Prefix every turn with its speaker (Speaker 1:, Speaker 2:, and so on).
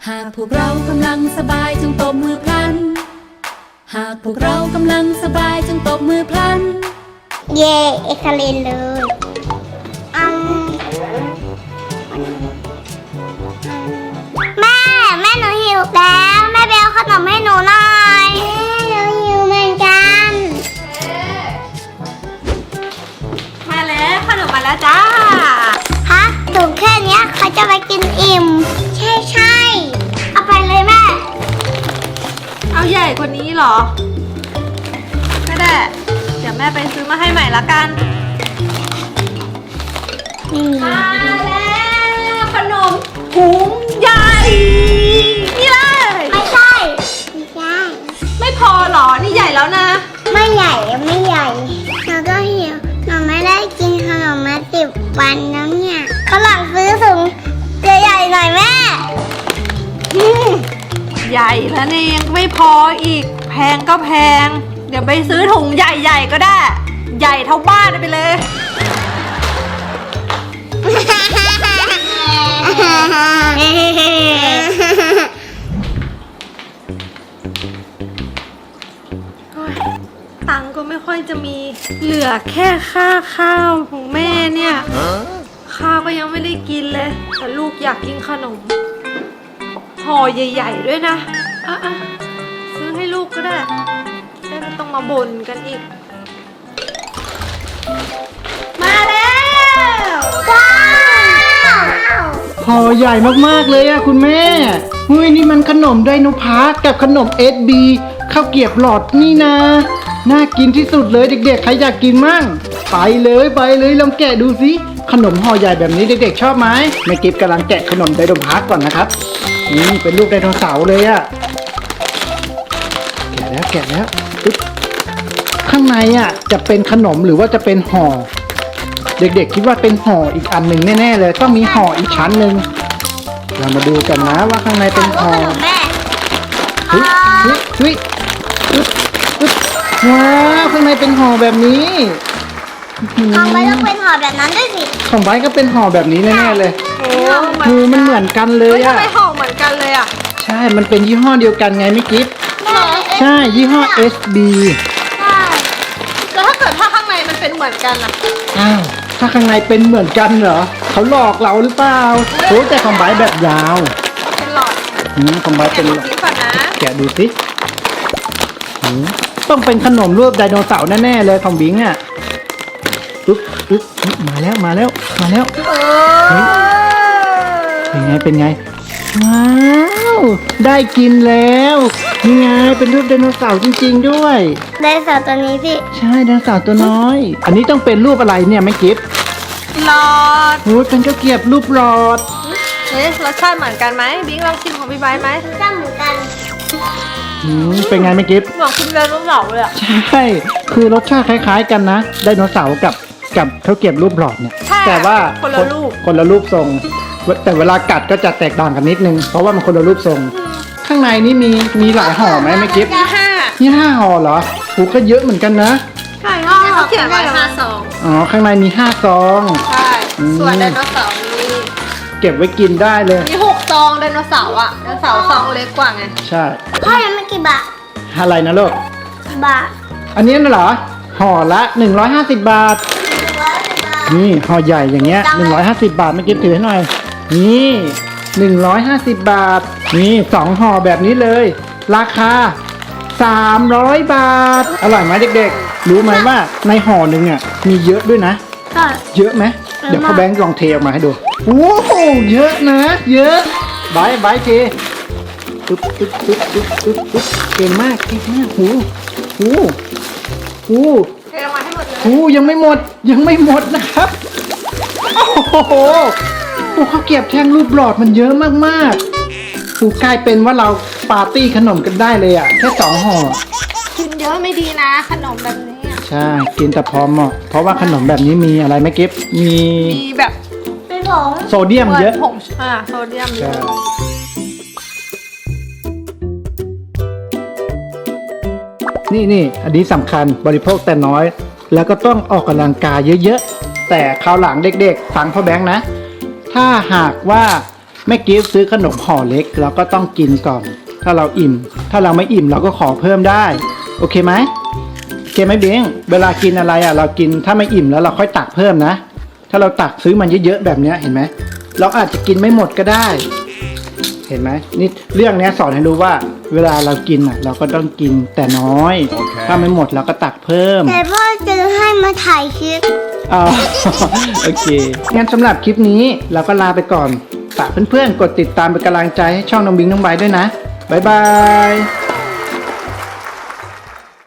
Speaker 1: หากพวกเรากำลังสบายจงตบมือพลันหากพวกเรากำลังสบายจงตบมือพลัน
Speaker 2: เย่เอ็กซ์เลนเลยแม่หนูหิวแล้วแม่ไปเอาขนมให้หนูหน่อยแม่หนูหิวเหมือนกัน
Speaker 3: มาแล้วขนมมาแล้วจ้า
Speaker 2: ฮะถุงแค่นี้เขาจะไปกินอิ่มใช่เอาไปเลยแม่
Speaker 3: เอาใหญ่กว่านี้เหรอก็ได้เดี๋ยวแม่ไปซื้อมาให้ใหม่ละกันมาแล้วขนมถุงใหญ่นี่เลย
Speaker 2: ไม่ใช่
Speaker 3: ไม่พอเหรอนี่ใหญ่แล้วนะ
Speaker 2: ไม่ใหญ่หนูก็หิวหนูไม่ได้กินขนมมา10 วันแล้วเนี่ยเขาหลังซื้อถุงใหญ่ๆหน่อยแม่
Speaker 3: ใหญ่แล้วเนี่ยยังไม่พออีกแพงก็แพงเดี๋ยวไปซื้อถุงใหญ่ๆก็ได้ใหญ่เท่าบ้านไปเลยตังค์ก็ไม่ค่อยจะมีเหลือแค่ค่าข้าวของแม่เนี่ยข้าวก็ยังไม่ได้กินเลยแต่ลูกอยากกินขนมห่อใหญ่ๆด้วยนะซื้อให้ลูกก็ได้ไม่ต้องมาบ่นกันอีกมาแล้ว
Speaker 2: ว้าว
Speaker 4: ห่อใหญ่มากๆเลยอะคุณแม่เฮ้ยนี่มันขนมไดโนพาร์คกับขนมSBข้าวเกรี๊ยวหลอดนี่นะน่ากินที่สุดเลยเด็กๆใครอยากกินมั่งไปเลยลองแกะดูสิขนมห่อใหญ่แบบนี้เด็กๆชอบไหมแม่กิฟกำลังแกะขนมไดโนพาร์คก่อนนะครับนี่เป็นรูปไดโนเสาร์เลยอะแกะแล้วปึ๊บข้างในอะจะเป็นขนมหรือว่าจะเป็นห่อเด็กๆคิดว่าเป็นห่ออีกอันหนึ่งแน่ๆเลยต้องมีห่ออีกชั้นหนึ่งเรามาดูกันนะว่าข้างในเป็นห่อ
Speaker 2: แม่
Speaker 4: เฮ้ยว้าวข้างในเป็นห่อแบบนี้
Speaker 2: ของไว้ต้องเป็นห่อแบบนั้นด้วยสิ
Speaker 4: ของไบก็เป็นห่อแบบนี้แน่ๆเลยคือมันเหมือนกันเลยอะ
Speaker 3: ทำไมห่อเหมือนกันเลยอะ
Speaker 4: ใช่มันเป็นยี่ห้อเดียวกันไงไม่กิ๊บใช่ยี่ห้อ SB
Speaker 3: แล้วถ้าเกิดข้างในมันเป็นเหมือนกันอะ
Speaker 4: อ้าวถ้าข้างในเป็นเหมือนกันเหรอเขาหลอกเราหรือเปล่าโอ้แต่ของไบแบบยาว
Speaker 3: เป็นหลอด
Speaker 4: ของไบเป็นหลอด
Speaker 3: ก่อนนะ
Speaker 4: แกะดูสิต้องเป็นขนมรูปไดโนเสาร์แน่ๆเลยของบิงอ่ะปึ๊บมาแล้วเป็นไงว้าวได้กินแล้วนี่ไงเป็นรูปไดโนเสาร์จริงๆด้วย
Speaker 2: ไดโนเสาร์ตัวนี้พี่
Speaker 4: ใช่ไดโนเสาร์ตัวน้อยอันนี้ต้องเป็นรูปอะไรเนี่ยไม่กิฟ
Speaker 3: หลอด
Speaker 4: โอ้ยเป็นข้าวเกรี๊ยวรูปหลอด
Speaker 3: รสชาติเหมือนกันไหมบิงลองชิมของพี่ไบร์ทไหม
Speaker 2: รสชาติเหมือนกัน
Speaker 4: เป็นไงไม่กิฟ
Speaker 3: เหมือนคุณไดโนเสาร์เลยอะ
Speaker 4: ใช่คือรสชาติคล้ายๆกันนะไดโนเสาร์กับข้าวเกรี๊ยวรูปหลอดเนี่ยแต่ว่าคนละรูปทรงแต่เวลากัดก็จะแตกต่างกันนิดนึงเพราะว่ามันคนละรูปทรงข้างในนี่มีหลายห่อไหมไม่กิ๊บนี่5ห่อเหรอหูก็เยอะเหมือนกันนะ
Speaker 3: ใช่เขาเขียนไว้5 ซอง
Speaker 4: อ๋อข้างในมี5 ซอง
Speaker 3: ใช่ส่วนไดโนเสาร์มี
Speaker 4: เก็บไว้กินได้เลย
Speaker 3: มี6 ซองไดโนเสาร์อะไดโนเสาร์ซองเล็กกว่าไง
Speaker 4: ใช่
Speaker 2: พ่อยังไม่กี่บาท
Speaker 4: อะไรนะลูก
Speaker 2: บาท
Speaker 4: อันนี้น่ะเหรอห่อละ150 บาทนี่ห่อใหญ่อย่างเงี้ย150 บาทไม่กิ๊บถือให้หน่อยนี่150 บาทนี่2ห่อแบบนี้เลยราคา300 บาทอร่อยไหมเด็กๆรู้ไหมว่าในห่อหนึ่งอ่ะมีเยอะด้วยนะเยอะไหมเดี๋ยวพ่อแบงค์ลองเทออกมาให้ดูโอ้โหเยอะนะเยอะบายเทปึ๊บเก่งมากหู
Speaker 3: เทลงมาให้หมดเลย
Speaker 4: ยังไม่หมดนะครับโอ้โหข้าวเกรี๊ยวแท่งรูปหลอดมันเยอะมากๆกลายเป็นว่าเราปาร์ตี้ขนมกันได้เลยอ่ะแค่2 ห่อ
Speaker 3: กินเยอะไม่ดีนะขนมแบบนี้
Speaker 4: ใช่กินแต่พอเหมาะเพราะว่าขนมแบบนี้มีอะไรไหมกิ๊บมี
Speaker 3: แบบ
Speaker 2: เป็นผง
Speaker 4: โซเดียมเยอะ
Speaker 3: ผงโซเดียมเยอะ
Speaker 4: นี่อันนี้สำคัญบริโภคแต่น้อยแล้วก็ต้องออกกำลังกายเยอะๆแต่คราวหลังเด็กๆฟังพ่อแบงค์นะถ้าหากว่าแม่กิฟต์ซื้อขนมห่อเล็กเราก็ต้องกินก่อน ถ้าเราอิ่ม ถ้าเราไม่อิ่มเราก็ขอเพิ่มได้ โอเคไหมโอเคไหมเบ้งเวลากินอะไรอ่ะเรากินถ้าไม่อิ่มแล้วเราค่อยตักเพิ่มนะ ถ้าเราตักซื้อมันเยอะๆแบบเนี้ยเห็นไหมเราอาจจะกินไม่หมดก็ได้ เห็นไหมนี่เรื่องนี้สอนให้รู้ว่า เวลาเรากินอ่ะเราก็ต้องกินแต่น้อย ถ้าไม่หมดเราก็ตักเพิ่ม
Speaker 2: แต่พ่อจะให้มาถ่ายคลิป
Speaker 4: อ๋อ โอเค งั้นสำหรับคลิปนี้เราก็ลาไปก่อน ฝากเพื่อนๆ กดติดตามเป็นกำลังใจให้ช่องน้องบิงน้องไบร์ทด้วยนะ บ๊ายบาย